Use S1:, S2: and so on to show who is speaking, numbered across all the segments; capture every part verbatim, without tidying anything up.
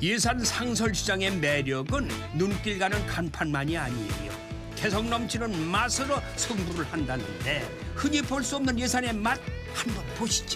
S1: 예산 상설시장의 매력은 눈길 가는 간판만이 아니에요. 개성 넘치는 맛으로 승부를 한다는데 흔히 볼 수 없는 예산의 맛 한번 보시죠.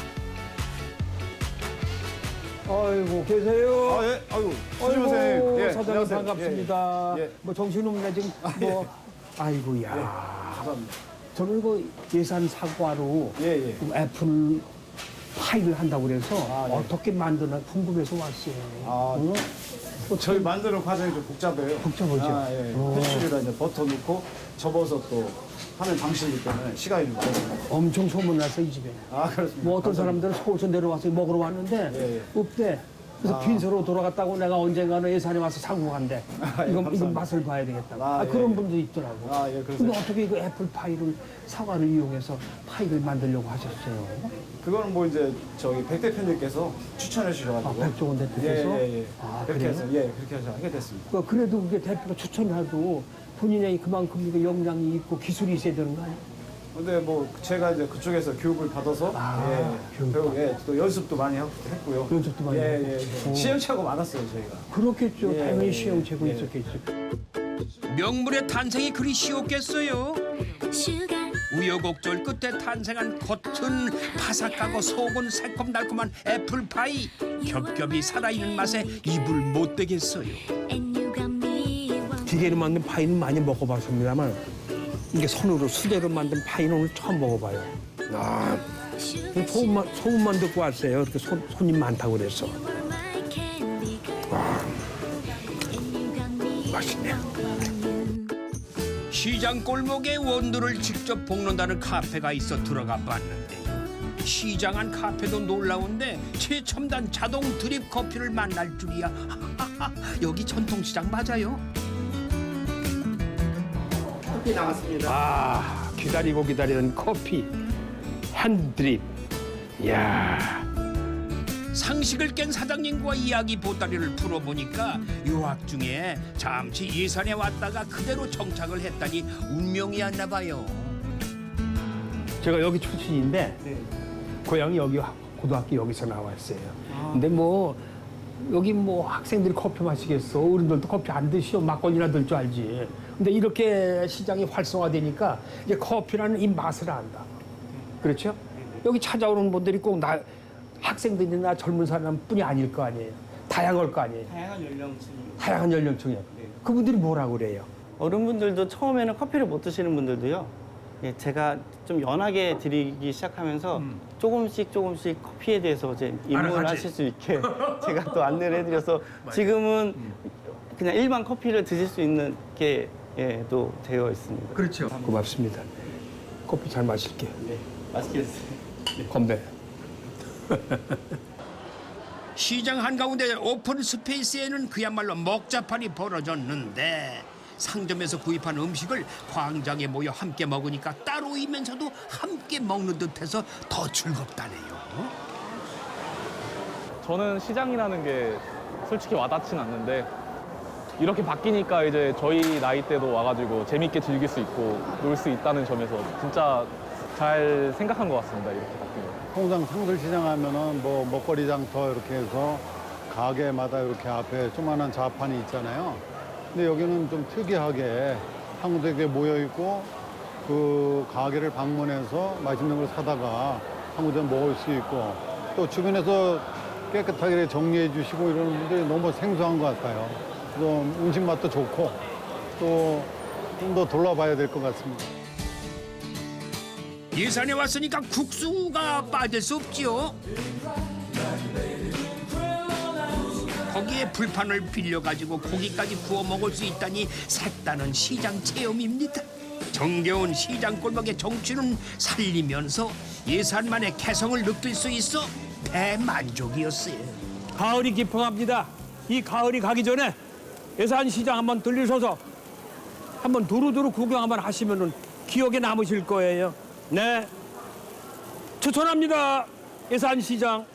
S2: 아이고 계세요.
S3: 아, 예. 아유,
S2: 아이고
S3: 선생님. 예,
S2: 사장님
S3: 안녕하세요.
S2: 반갑습니다.
S3: 예, 예.
S2: 뭐 정신없네 지금 뭐. 아이고야.
S3: 감사합니다.
S2: 저는 그 예산 사과로
S3: 예, 예.
S2: 그 애플 파이를 한다고 그래서
S3: 아, 네.
S2: 어떻게 만드나 궁금해서 왔어요.
S3: 아,
S2: 응? 또
S3: 저희 만드는 과정이 좀 복잡해요.
S2: 복잡하죠?
S3: 아, 예.
S2: 어.
S3: 패스트리에다 이제 버터 넣고 접어서 또 하는 방식이기 때문에 시간이 좀 걸려요.
S2: 엄청 소문났어 이 집에.
S3: 아, 그렇습니다.
S2: 뭐 어떤
S3: 감사합니다.
S2: 사람들은 서울서 내려와서 먹으러 왔는데
S3: 예, 예.
S2: 없대. 그래서
S3: 아.
S2: 빈소로 돌아갔다고 내가 언젠가는 예산에 와서 사고 간대.
S3: 아, 예,
S2: 이건, 이건
S3: 감사합니다.
S2: 맛을 봐야 되겠다고.
S3: 아,
S2: 아,
S3: 예,
S2: 그런
S3: 예.
S2: 분도 있더라고.
S3: 아, 예, 그러세요?
S2: 근데 어떻게 그 애플 파이를 사과를 이용해서 파이를 만들려고 하셨어요?
S3: 그거는 뭐 이제 저기 백 대표님께서 추천해 주셔가지고.
S2: 아, 백종원 대표께서?
S3: 예, 예, 예.
S2: 아,
S3: 그렇게
S2: 그래요?
S3: 해서, 예, 그렇게 해서 하게 됐습니다.
S2: 그 그래도 그게 대표가 추천해도 본인이 그만큼 이거 역량이 있고 기술이 있어야 되는 거 아니에요?
S3: 근데 뭐 제가 이제 그쪽에서 교육을 받아서
S2: 아,
S3: 예,
S2: 교육
S3: 배우, 예, 또 연습도 많이 하- 했고요.
S2: 연습도 많이
S3: 예,
S2: 하고.
S3: 예, 예.
S2: 오.
S3: 시행착오 많았어요 저희가.
S2: 그렇겠죠.
S3: 예,
S2: 당연히
S3: 예,
S2: 시행착오
S3: 예.
S2: 있었겠죠.
S1: 명물의 탄생이 그리 쉬웠겠어요.
S4: 슈가
S1: 우여곡절 끝에 탄생한 겉은 바삭하고 속은 새콤달콤한 애플파이. 겹겹이 살아있는 맛에 입을 못 대겠어요.
S4: and you got me one
S2: 기계로 만든 파이는 많이 먹어봤습니다만 이게 손으로 수제로 만든 파이는 오늘 처음 먹어봐요. 아,
S4: sugar
S2: 소문만, 소문만 듣고 왔어요. 이렇게 손, 손님 많다고 그래서.
S4: you are my candy girl and you got me
S2: 맛있네.
S4: one
S1: 시장 골목에 원두를 직접 볶는다는 카페가 있어 들어가 봤는데요. 시장 안 카페도 놀라운데 최첨단 자동 드립 커피를 만날 줄이야. 하하하, 여기 전통시장 맞아요?
S2: 아, 기다리고 기다리던 커피. 핸드립. 이야.
S1: 상식을 깬 사장님과 이야기 보따리를 풀어보니까 유학 중에 잠시 예산에 왔다가 그대로 정착을 했다니 운명이었나 봐요.
S2: 제가 여기 출신인데 고향이 여기 고등학교 여기서 나왔어요. 근데 뭐 여기 뭐 학생들이 커피 마시겠어. 어른들도 커피 안 드시오. 막걸리나 들 줄 알지. 근데 이렇게 시장이 활성화되니까 이제 커피라는 이 맛을 안다. 그렇죠? 여기 찾아오는 분들이 꼭 나 학생들이나 젊은 사람뿐이 아닐 거 아니에요. 다양할 거 아니에요.
S5: 다양한 연령층.
S2: 다양한 연령층이요. 그분들이 뭐라고 그래요?
S5: 어른분들도 처음에는 커피를 못 드시는 분들도요. 예, 제가 좀 연하게 드리기 시작하면서 조금씩 조금씩 커피에 대해서 이제 입문을
S1: 알아가지.
S5: 하실 수 있게 제가 또 안내를 해드려서 지금은 그냥 일반 커피를 드실 수 있는 게 예, 또 되어 있습니다.
S2: 그렇죠. 고맙습니다. 커피 잘 마실게요.
S5: 네, 맛있게 드세요.
S2: 건배.
S1: 시장 한가운데 오픈 스페이스에는 그야말로 먹자판이 벌어졌는데 상점에서 구입한 음식을 광장에 모여 함께 먹으니까 따로이면서도 함께 먹는 듯해서 더 즐겁다네요.
S6: 저는 시장이라는 게 솔직히 와닿진 않는데 이렇게 바뀌니까 이제 저희 나이 때도 와가지고 재밌게 즐길 수 있고 놀 수 있다는 점에서 진짜 잘 생각한 것 같습니다. 이렇게 바뀌는 거.
S7: 통상 상설시장 하면은 뭐 먹거리 장터 이렇게 해서 가게마다 이렇게 앞에 조그만한 자판이 있잖아요. 근데 여기는 좀 특이하게 한국에 모여 있고 그 가게를 방문해서 맛있는 걸 사다가 한국에 먹을 수 있고 또 주변에서 깨끗하게 정리해 주시고 이러는 분들이 너무 생소한 것 같아요. 좀 음식 맛도 좋고 또 좀 더 둘러봐야 될 것 같습니다.
S1: 예산에 왔으니까 국수가 빠질 수 없지요. 거기에 불판을 빌려가지고 고기까지 구워 먹을 수 있다니 색다른 시장 체험입니다. 정겨운 시장 골목의 정취는 살리면서 예산만의 개성을 느낄 수 있어 대만족이었어요.
S2: 가을이 깊어갑니다. 이 가을이 가기 전에 예산시장 한번 들리셔서 한번 두루두루 구경 한번 하시면은 기억에 남으실 거예요. 네. 추천합니다. 예산시장.